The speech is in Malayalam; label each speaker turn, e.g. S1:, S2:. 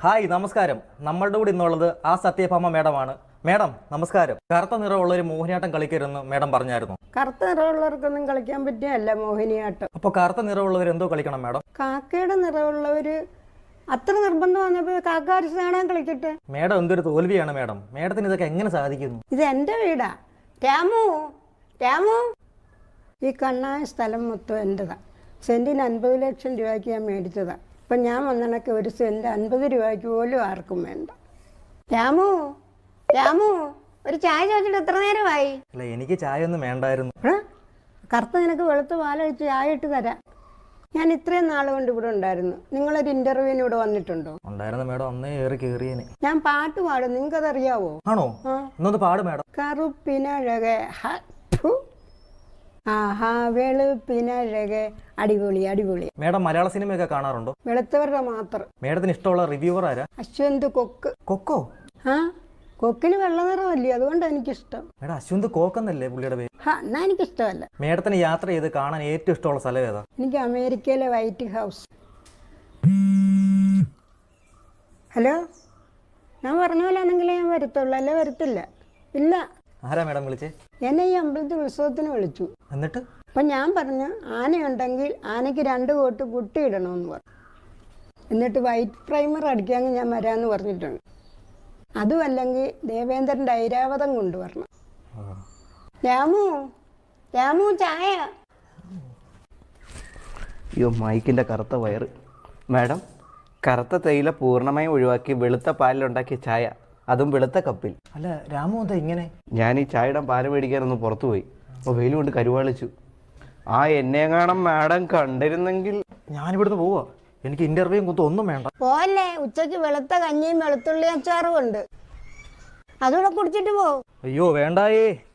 S1: ഹായ് നമസ്കാരം. നമ്മളുടെ കൂടെ ഇന്നുള്ളത് ആ സത്യഭാമ മേഡമാണ്. മേഡം നമസ്കാരം. കറുത്ത നിറമുള്ള ഒരു മോഹിനിയാട്ടം കളിക്കരുതെന്ന് മേഡം പറഞ്ഞായിരുന്നു.
S2: കറുത്ത നിറമുള്ളവർക്കൊന്നും കളിക്കാൻ പറ്റിയല്ല മോഹിനിയാട്ടം.
S1: അപ്പോൾ കറുത്ത നിറമുള്ളവർ എന്തോ കളിക്കണം മേഡം?
S2: കാക്കയുടെ നിറമുള്ളവര് അത്ര നിർബന്ധം വന്നപ്പോൾ കാക്കാരിച്ച് കാണാൻ കളിക്കട്ടെ.
S1: മേഡം എന്തൊരു തോൽവിയാണ് മേഡം. മേഡത്തിന് ഇതൊക്കെ എങ്ങനെ സാധിക്കുന്നു?
S2: ഇത് എൻ്റെ വീടാ. രാമു രാമു, ഈ കണ്ണായ സ്ഥലം മൊത്തം എൻ്റെതാണ്. സെൻറ്റിന് 50 ലക്ഷം രൂപയ്ക്ക് ഞാൻ മേടിച്ചതാണ്. ഇപ്പം ഞാൻ വന്നണക്ക് ഒരു സെൻറ്റ് 50 രൂപയ്ക്ക് പോലും ആർക്കും വേണ്ട. രാമു രാമു, ഒരു ചായ ചോദിച്ചിട്ട് എത്ര നേരമായി?
S1: അല്ല, എനിക്ക് ചായ ഒന്നും വേണ്ടായിരുന്നു.
S2: കറുത്ത നിനക്ക് വെളുത്ത പാലൊഴിച്ച് ചായ ഇട്ട് തരാം. ഞാൻ ഇത്രയും നാൾ കൊണ്ട് ഇവിടെ ഉണ്ടായിരുന്നു. നിങ്ങളൊരു ഇന്റർവ്യൂവിന് ഇവിടെ വന്നിട്ടുണ്ടോ?
S1: ഉണ്ടായിരുന്നു മേഡം, അന്നേ ഏറി കയറിയേനെ.
S2: ഞാൻ പാട്ട് പാടും, നിങ്ങൾക്കത് അറിയാവോ?
S1: ആണോ? എന്നൊന്ന് പാട് മേഡം.
S2: കറുപ്പിനഴകെ ആഹാ വെളുപ്പിനഴകെ, അടിപൊളി അടിപൊളി.
S1: മേഡം മലയാള സിനിമയൊക്കെ കാണാറുണ്ടോ?
S2: വെളുത്തവരുടെ മാത്രം.
S1: മേഡത്തിന് ഇഷ്ടമുള്ള റിവ്യൂവർ ആരാ?
S2: അശ്വന്ത് കൊക്ക്.
S1: കൊക്കോ?
S2: ആ, കൊക്കിന് വെള്ള നിറമല്ലേ, അതുകൊണ്ട് എനിക്കിഷ്ടം.
S1: മേഡം അശ്വന്ത് കോക്കെന്നല്ലേ പുള്ളിയുടെ പേര്?
S2: എന്നാ എനിക്കിഷ്ടമല്ല.
S1: മേഡത്തിന് യാത്ര ചെയ്ത് കാണാൻ ഏറ്റവും ഇഷ്ടമുള്ള സ്ഥലം ഏതാ?
S2: എനിക്ക് അമേരിക്കയിലെ വൈറ്റ് ഹൗസ്. ഹലോ, ഞാൻ പറഞ്ഞ പോലെ ആണെങ്കിലേ ഞാൻ വരത്തുള്ളൂ, അല്ലേ വരത്തില്ല. ഇല്ല.
S1: ആരാ മേഡം വിളിച്ചേ?
S2: എന്നെ ഈ അമ്പലത്തിൽ ഉത്സവത്തിന് വിളിച്ചു.
S1: എന്നിട്ട്
S2: അപ്പം ഞാൻ പറഞ്ഞു, ആനയുണ്ടെങ്കിൽ ആനയ്ക്ക് 2 കോട്ട് കുട്ടി ഇടണമെന്ന് പറഞ്ഞു. എന്നിട്ട് വൈറ്റ് പ്രൈമർ അടിക്കാമെങ്കിൽ ഞാൻ വരാമെന്ന് പറഞ്ഞിട്ടുണ്ട്. അതുമല്ലെങ്കിൽ ദേവേന്ദ്രൻ്റെ ഐരാവതം കൊണ്ടുവരണം. രാമു രാമു, ചായ.
S3: അയ്യോ, മൈക്കിൻ്റെ കറുത്ത വയറ്. മാഡം, കറുത്ത തേയില പൂർണ്ണമായും ഒഴിവാക്കി വെളുത്ത പാലിലുണ്ടാക്കിയ ചായ, അതും വെളുത്ത കപ്പിൽ.
S1: അല്ല രാമു, എന്താ ഇങ്ങനെ?
S3: ഞാൻ ഈ ചായയുടെ പാല് മേടിക്കാനൊന്ന് പുറത്തു പോയി. അപ്പോൾ വെയിൽ കൊണ്ട് കരുവാളിച്ചു. എന്നെ കാണാൻ മാഡം കണ്ടിരുന്നെങ്കിൽ.
S1: ഞാനിവിടുന്ന് പോവാ. എനിക്ക് ഇന്റർവ്യൂവും കുത്തും ഒന്നും വേണ്ട.
S2: പോലെ ഉച്ചയ്ക്ക് വെളുത്ത കഞ്ഞിയും വെളുത്തുള്ളി അച്ചാറും ഉണ്ട്, അതുകൂടെ കുടിച്ചിട്ട് പോ.
S1: അയ്യോ വേണ്ടായേ.